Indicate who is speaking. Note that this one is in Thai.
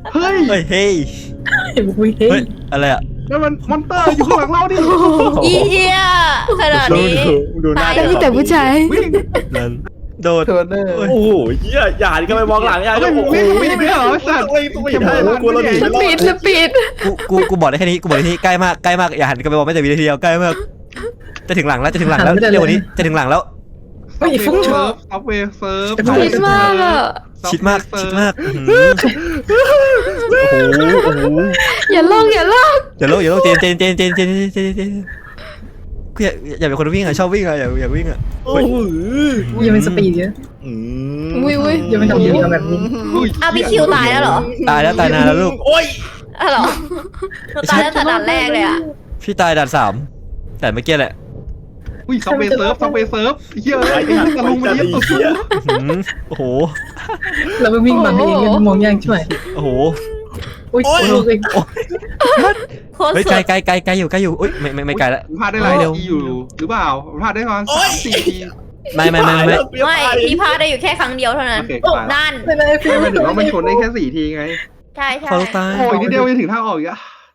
Speaker 1: เฮ้ย
Speaker 2: เฮ้ยเฮ้ย
Speaker 3: เฮ้ย
Speaker 2: อะไรอ่ะ
Speaker 1: นั่นมันมอนเตอร์อยู่ข้างหลังเราดิ
Speaker 4: อีเหี้ยขนาดนี้
Speaker 5: ดูหน้า
Speaker 4: ตาย
Speaker 5: เด็ก
Speaker 3: มีแต่ผู้ชาย
Speaker 1: วิ่ง
Speaker 2: นั่นโดด
Speaker 1: เทอร์เนอร์
Speaker 5: โอ้โหเหี้ยอย่าดิก็ไปมองหลังอย่า
Speaker 1: ไม่
Speaker 5: โอ้โห
Speaker 1: ไม่ไม่เหรอสัตว์
Speaker 5: ต้องไม่ได้กลัวเราหนี
Speaker 3: ส
Speaker 5: ไม่รอ
Speaker 3: ปีด
Speaker 5: ด
Speaker 3: สปีด
Speaker 2: กูบอกได้แค่นี้กูบอกได้แค่นี้ใกล้มากใกล้มากอย่าหันกันไปบอกไม่แต่วินาทีเดียวใกล้มากจะถึงหลังแล้วจะถึงหลังแล้วเร็วกว่านี้จะถึงหลังแล้ว
Speaker 1: ซับเวย์เซิร์ฟซับเวย์เซิร์ฟ
Speaker 3: ชิดมากอ่ะ
Speaker 2: ชิดมากชิดมากโอ้โห
Speaker 3: อย่าลอก
Speaker 2: อย่าโลกเจนกูอยากเป็นคนวิ่งอ่ะชอบวิ่งอ่ะอยากวิ่งอ่ะ
Speaker 5: โอ้โห
Speaker 3: ยังเป็นสปีดเยอะอุ้ยยังไม่ทำเยอะแบบนี้
Speaker 4: อ้าวพี่คิวตายแล้วเหรอ
Speaker 2: ตายแล้วตายนานแล้วลูก
Speaker 5: โอ้ย
Speaker 4: อ้าวเหรอตายตั้งแต่ด่านแรกเลยอ่ะ
Speaker 2: พี่ตายด่าน3แต่เมื่อกี้แหละ
Speaker 1: อุ้ยซับเวย์เซิร์ฟซับเวย์เซิร์ฟเฮ้ยไอ้ตะลุงมันเย็บตัว
Speaker 2: โอ้โห
Speaker 3: เราไปวิ่งมาเองกันมองยากช่วย
Speaker 2: โอ้โห
Speaker 3: อุ้ย
Speaker 4: โคตร
Speaker 2: เฮ้ย
Speaker 4: สุด
Speaker 2: ไกลอยู่อุ้ยไม่ไกลละ
Speaker 1: พลาดได้หลายทีอยู่หรือเปล่าพลาดได้ประมาณ3-4 ที
Speaker 2: ไม่
Speaker 4: ไม่พี่พลาดได้อยู่แค่ครั้งเดียวเท่านั้น
Speaker 1: โอเคตาย
Speaker 4: นั่น
Speaker 3: ไม่ได้
Speaker 1: ไม่หมายถึงว่ามันชนได้แค่4 ทีไง
Speaker 4: ใช่ใช่
Speaker 2: เขาตาย
Speaker 1: โอ้ยนิดเดียวจะถึงทางออกอีกอะ